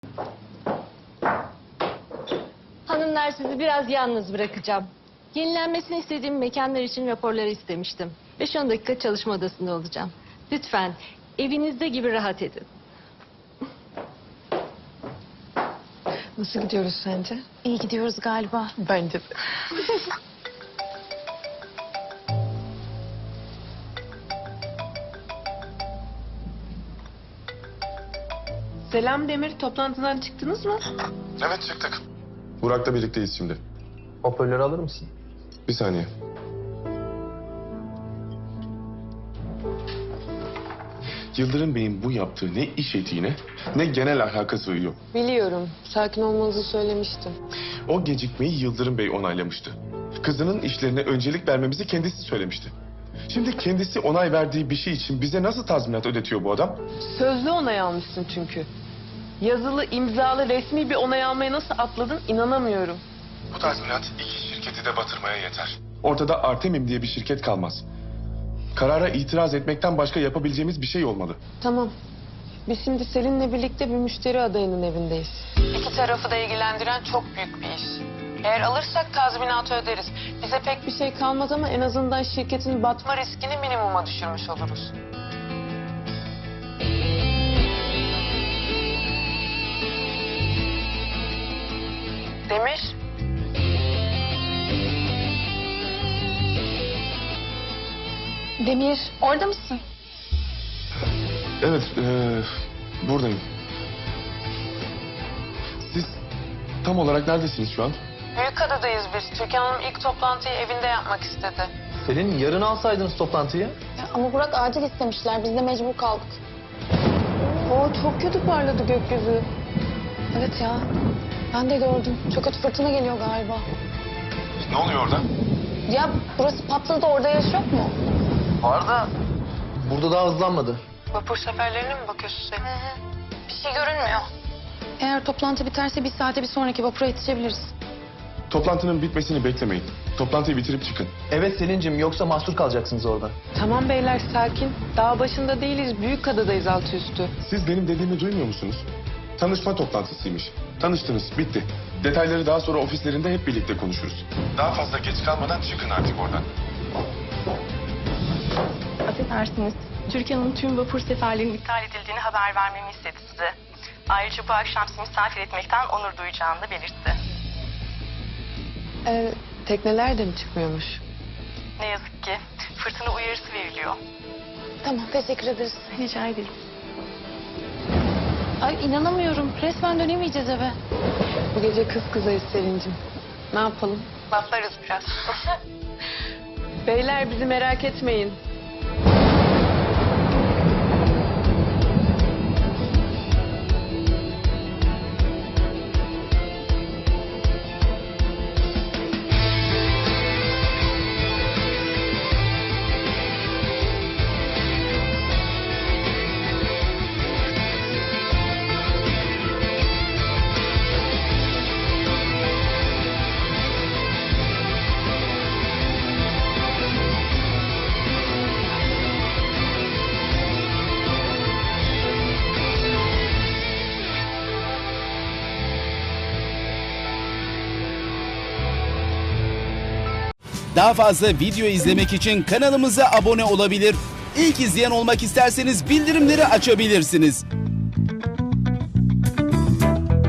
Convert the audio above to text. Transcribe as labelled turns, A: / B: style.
A: Hanımlar, sizi biraz yalnız bırakacağım. Yenilenmesini istediğim mekanlar için raporları istemiştim. 5-10 dakika çalışma odasında olacağım. Lütfen evinizde gibi rahat edin.
B: Nasıl gidiyoruz sence?
C: İyi gidiyoruz galiba.
B: Bence de. Selam Demir, toplantıdan çıktınız mı?
D: Evet çıktık. Burak'la birlikteyiz şimdi.
E: Hoparlörü alır mısın?
D: Bir saniye. Yıldırım Bey'in bu yaptığı ne iş etiğine ne genel ahlaka sığıyor.
B: Biliyorum, sakin olmanızı söylemiştim.
D: O gecikmeyi Yıldırım Bey onaylamıştı. Kızının işlerine öncelik vermemizi kendisi söylemişti. Şimdi kendisi onay verdiği bir şey için bize nasıl tazminat ödetiyor bu adam?
B: Sözlü onay almışsın çünkü. Yazılı, imzalı, resmi bir onay almaya nasıl atladın inanamıyorum.
D: Bu tazminat iki şirketi de batırmaya yeter. Ortada Artemim diye bir şirket kalmaz. Karara itiraz etmekten başka yapabileceğimiz bir şey olmalı.
B: Tamam. Biz şimdi Selin'le birlikte bir müşteri adayının evindeyiz. İki tarafı da ilgilendiren çok büyük bir iş. Eğer alırsak tazminatı öderiz. Bize pek bir şey kalmaz ama en azından şirketin batma riskini minimuma düşürmüş oluruz. Demir.
C: Demir, orada mısın?
D: Evet, buradayım. Siz tam olarak neredesiniz şu an?
B: Büyükada'dayız biz. Türkan Hanım ilk toplantıyı evinde yapmak istedi.
E: Selin, yarın alsaydınız toplantıyı.
C: Ya, ama Burak acil istemişler. Biz de mecbur kaldık.
B: Oo, çok kötü parladı gökyüzü.
C: Evet ya. Ben de gördüm. Çok kötü fırtına geliyor galiba.
D: Ne oluyor orada?
C: Ya burası patladı da orada yaş yok mu?
E: Var da burada daha hızlanmadı.
B: Vapur seferlerine mi bakıyorsun sen?
C: Bir şey görünmüyor. Eğer toplantı biterse bir saate bir sonraki vapura yetişebiliriz.
D: Toplantının bitmesini beklemeyin. Toplantıyı bitirip çıkın.
E: Evet Selin'cim, yoksa mahsur kalacaksınız orada.
B: Tamam beyler sakin. Dağ başında değiliz. Büyükada'dayız altı üstü.
D: Siz benim dediğimi duymuyor musunuz? Tanışma toplantısıymış. Tanıştınız, bitti. Detayları daha sonra ofislerinde hep birlikte konuşuruz. Daha fazla geç kalmadan çıkın artık oradan.
F: Affedersiniz. Türkiye'nin tüm vapur seferlerinin iptal edildiğini haber vermemi istedi size. Ayrıca bu akşam sizi misafir etmekten onur duyacağını da belirtti.
B: Tekneler de mi çıkmıyormuş?
F: Ne yazık ki fırtına uyarısı veriliyor.
C: Tamam, teşekkür ederiz.
F: Rica ederim.
C: Ay inanamıyorum. Resmen dönemeyeceğiz eve.
B: Bu gece kız kızayız Selin'cim. Ne yapalım?
F: Laflarız biraz.
B: Beyler bizi merak etmeyin.
G: Daha fazla video izlemek için kanalımıza abone olabilir. İlk izleyen olmak isterseniz bildirimleri açabilirsiniz.